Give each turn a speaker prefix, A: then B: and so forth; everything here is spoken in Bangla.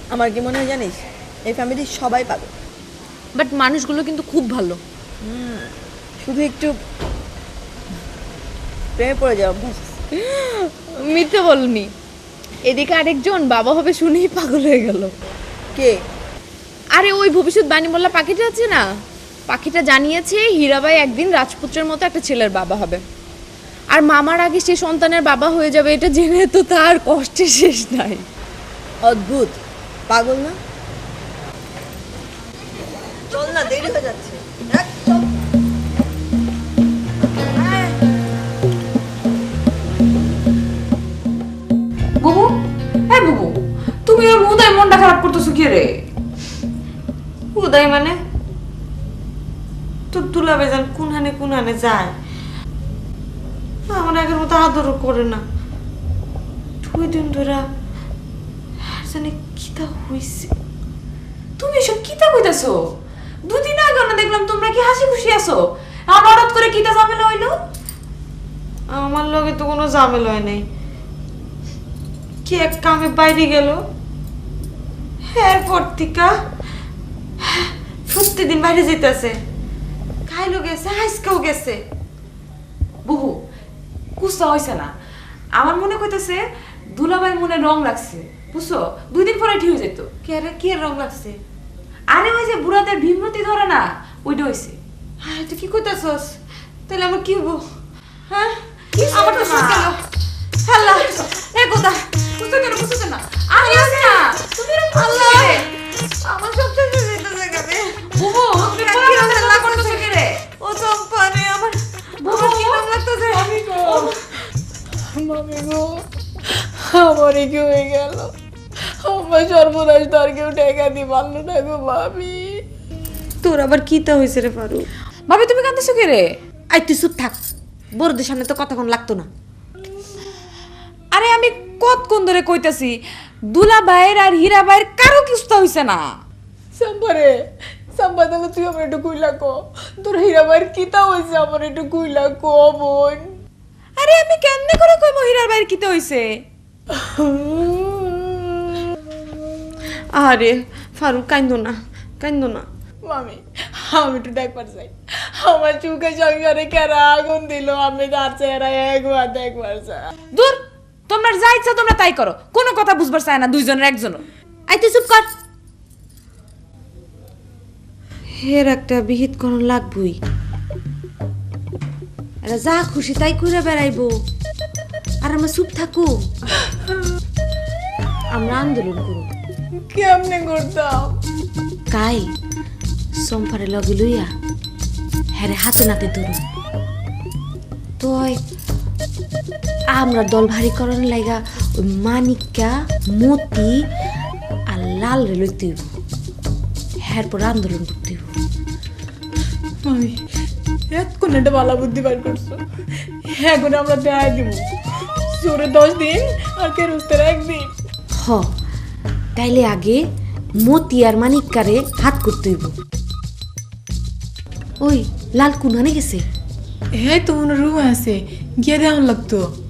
A: আমার কি মনে হয় জানিস, এই ফ্যামিলির সবাই পাবে,
B: বাট মানুষগুলো কিন্তু খুব ভালো।
A: শুধু একটু প্রেমে পড়ে যাওয়া অভ্যাস।
B: মিথ্যে বলনি। এদিকে আরেকজন বাবা হবে শুনেই পাগল হয়ে গেল।
A: কে?
B: আরে ওই ভবিষ্যৎবাণী মোল্লা পাখিটা আছে না, পাখিটা জানিয়েছে হীরাবাই একদিন রাজপুত্রের মতো একটা ছেলের বাবা হবে, আর মামার আগে সে সন্তানের বাবা হয়ে যাবে। এটা জেনে তো তার কষ্টের শেষ নাই।
A: অদ্ভুত, পাগল না? চল না, দেরি হয়ে যাচ্ছে। চল।
C: বুবু, হ্যাঁ বুবু, তুমি ওর উদয় মনটা খারাপ করতেছো কি রে?
D: উদয় মানে তোর দুলাভাই যান কোনহানে যায়, আমার আগের মতো আদরও করে না। 2 দিন ধরে জানি কিটা হইছে।
C: তুমি এসব কিতা কইতাছো? দুদিন আগে না দেখলাম তোমরা কি হাসি খুশি আছো, আর হঠাৎ করে কিতা ঝামেলা হইলো?
D: আমার লগে তো কোনো ঝামেলা হয় নাই, কি এক কামে বাইরে গেল, এরপর থেকে প্রতিদিন বাইরে যেতেছে, খাইলো গেছে, হাইসকেও গেছে।
C: বুবু, কুস্তা হইছে না, আমার মনে কইতাছে দুলাভাই মনে রং লাগছে, বুঝছো? 2 দিন পরে ঠিক হয়ে যেত।
D: কে রে, কি রং লাগছে?
C: আরে ওই যে বুড়াদের ভীমরতি ধরে না, ওইটা হইছে।
D: হ্যাঁ, তুই কি কইতাছস? তাহলে আমার কি হবো? হ্যাঁ,
C: কিছু
D: আমার তো
C: না।
D: সব গেল। আল্লাহ, এ কোথা?
C: বুঝতে কেন বুঝতেছে না? আমি আছি না, তুমি এরকম
D: আল্লাহ,
C: করতেছো কি রে?
D: আমার সব শেষ হয়ে যেতেছে কেন?
C: বুবু, তুমি
D: আমি
C: পোলা
D: কি
C: মাথায়
D: রান্না
C: রাগ করতেছো কি রে?
D: ও চম্পা রে, আমার কি নাম লাগতেছে?
A: মামি গো, আমারই কি হয়ে গেল? আমার সর্বনাশ, তার কেউ টেকা দি পারলো না গো মামি।
D: তোর আবার কিতা হয়েছে রে ফারুক?
C: ভাবি তুমি কাঁদতেছো কি রে?
D: আই তুই চুপ থাক, বড়দের সামনে তো কতক্ষণ লাগতো না।
C: আরে আমি কতক্ষণ ধরে কইতাছি দুলা ভাইয়ের আর হীরা ভাইয়ের কারো কিস্তা হইছে না।
A: সাম্বারে, সাম্বা তাহলে তুই আমার একটু কুইলা কো, তোর হীরাবাইয়ের কিতা হয়েছে আমার একটু কুইলা কো বোন।
C: আরে আমি কেমনে করে কইবো হীরার ভাইয়ের কিতা হইছে?
D: আরে ফারুক, কাইন্দো না, কাইন্দো না।
A: মামি, আমি একটু দেখবার চাই, আমার চুকে সংসারে কেরা আগুন দিল, আমি তার চেহারা একবার দেখবার চাই।
C: দূর, তোমরা যা ইচ্ছা তোমরা তাই করো, কোনো কথা বুঝবার চায় না দুইজনের একজনও।
D: আই তুই চুপ কর। হের একটা বিহিত করণ লাগবই, এরা যা খুশি তাই করে বেড়াইবো, আর আমরা চুপ থাকো। আমরা আন্দোলন করব।
A: কেমনে করতাম?
D: কাই সম্পারে লগে লইয়া হ্যারে হাতে নাতে ধরুন, তো আমরা দল ভারী করার লাইগা ওই মানিকা, মতি আর লাল রে লইতে হইব, হ্যার পর আন্দোলন করতে হইব।
A: মামি, এতক্ষণ একটা ভালো বুদ্ধি বার করছো, এখন আমরা দেখাই দিব, জোরে 10 দিন আর কেরুস্তের 1 দিন।
D: হ, তাইলে আগে মতি আর মানিকারে হাত করতে হইব। ওই লাল কোনখানে গেছে?
A: হ্যাঁ তো রুম আছে, গিয়ে দেওয়ার লাগতো।